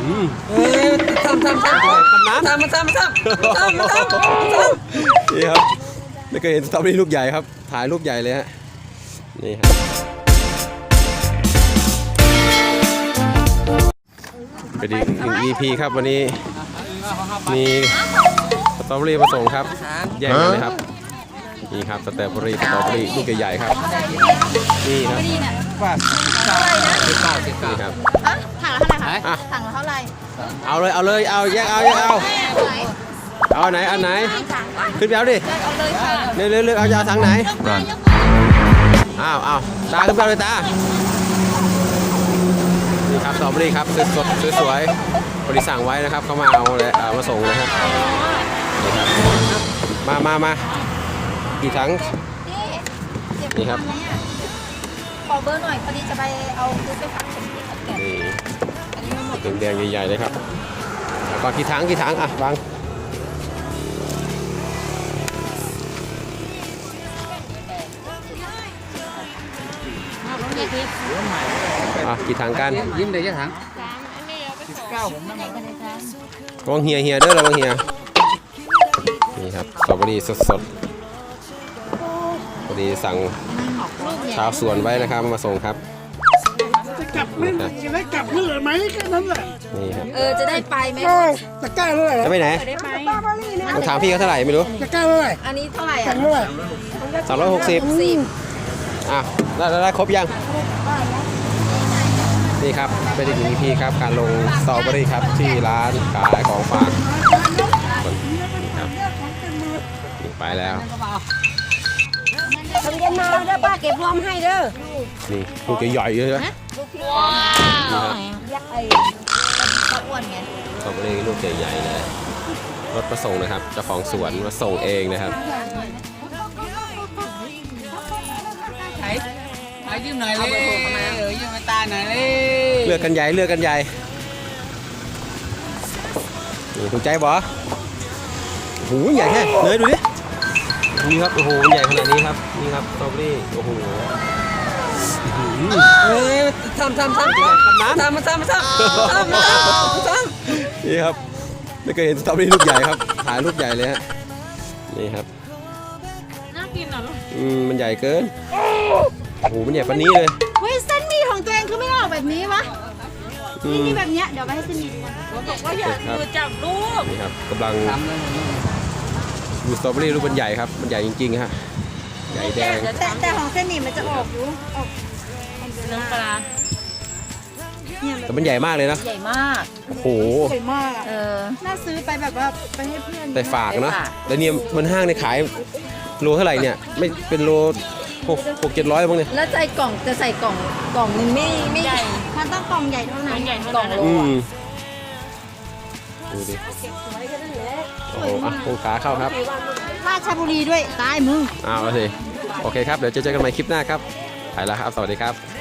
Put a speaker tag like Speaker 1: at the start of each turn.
Speaker 1: ทำ
Speaker 2: นี่ครับไม่เคยเห็นสตรอเบอรี่ลูกใหญ่ครับถ่ายลูกใหญ่เลยฮะนี่ครับเป็นอีกหนึ่ง EP ครับวันนี้มีสตรอเบอรี่มาส่งครับแย่งกันเลยครับนี่ครับสตรอเบอรี่ลูกใหญ่ๆครับนี่ครับนี่ครับ
Speaker 3: ถังละเท่าไหร่
Speaker 2: เอาเลยเอาแยกเอาไหนอันไหนขึ้นไปเอาดิเลือกเอาจะเอาถังไหนเอาตาขึ้นไปเลยตานี่ครับสตรอเบอรี่ครับสดสวยๆบริสั่งไว้นะครับเขามาเอาเลยมาส่งนะครับนี่ครับมากี่ถังนี่ครับ
Speaker 3: ขอเบอร์หน่อยพอดีจะไปเอาซื้อไปฝากคนที่ขอนแก่น
Speaker 2: นี่แดงๆใหญ่ๆเลยครับก่อนกี่ถังอ่ะวางกี่ถังกัน
Speaker 1: ยิ้มเลยจะถัง
Speaker 2: ระวังเฮียเด้อระวังเฮียนี่ครับสตรอเบอรี่สดพอดีสั่งชาวสวนไว้นะครับมาส่งครับ
Speaker 4: จะกลับไหมจะได้กลับเมื่อไหร่ไหมแค่นั้นแหละ
Speaker 2: นี่ครับ
Speaker 3: จะได้ไปไหม
Speaker 4: ตะกร้าเท่าไหร่
Speaker 2: จะไปไหนต้องถามพี่เขาเท่าไหร่ไม่รู้
Speaker 4: ตะกร้าเท่าไหร่
Speaker 3: อันนี้เท่าไหร่
Speaker 4: เท่าไหร่
Speaker 2: 360ได้ครบยังนี่ครับเป็นอีกหนึ่ง EP ครับการลงสตรอเบอรี่ครับที่ร้านขายของฝากนี่ครับไปแล้ว
Speaker 3: ทำเย็นมาเด้อป้าเก็บรวมให้เด้อ
Speaker 2: นี่ลูกใหญ่ๆเลยนะ
Speaker 3: ว้าวยักษ์ไอ้ตะอ้วนไง
Speaker 2: สตรอเบอรี่ลูกใหญ่ๆเลยรถมาส่งนะครับเจ้าของสวนมาส่งเองนะครับ
Speaker 1: ยืมหน่อยเลยยืมมาตาหน่อยเลย
Speaker 2: เลือกกันใหญ่นี่ถูกใจบ่โอ้โหใหญ่แค่เลยดูดินี่ครับโอ้โหใหญ่ขนาดนี้ครับนี่ครับสตรอเบอรี่โอ้โห
Speaker 1: ทำ
Speaker 2: นี่ครับไม่เคยเห็นสตรอเบอรี่ลูกใหญ่ครับถ่ายลูกใหญ่เลยฮะนี่ครับ
Speaker 3: น่ากินเหรอลูก
Speaker 2: มันใหญ่เกินโอ้โหมันใหญ่ปานนี้เลย
Speaker 3: เฮ้ยเส้นหมี่ของตัวเองคือไม่ออกแบบนี้วะนี่แบบเนี้ยเดี๋ยวไปให้เส้นหมี่ดูบอกว่าอย่ามือจับลูก
Speaker 2: นี่ครับกำลังดูสตรอเบอรี่ลูกมันใหญ่ครับมันใหญ่จริงๆฮะใหญ่แดง
Speaker 3: แต่ของเส้นหมี่มันจะออกอยู่ออกน้ำปลา
Speaker 2: แต่มันใหญ่มากเลยนะ
Speaker 3: ใหญ่มาก
Speaker 2: โอ้โห
Speaker 3: ใหญ่มากน่าซื้อไปแบบว่าไปให้เพื่อน
Speaker 2: แต่ฝากเนาะแล้วเนี่ยมันห้างในขายโลเท่าไหร่เนี่ยไม่เป็นโล600-700บ้างเนี่ย
Speaker 3: แล้วใส่กล่องจะใส่กล่องนึงไม่ใหญ่มันต้องกล่องใหญ่เท่านั้นกล่องโล
Speaker 2: ดูดิโอ้โหปูขาเข้าครับ
Speaker 3: ราชบุรีด้วยตายมึง
Speaker 2: เอาละสิโอเคครับเดี๋ยวเจอกันใหม่คลิปหน้าครับไปแล้วครับสวัสดีครับ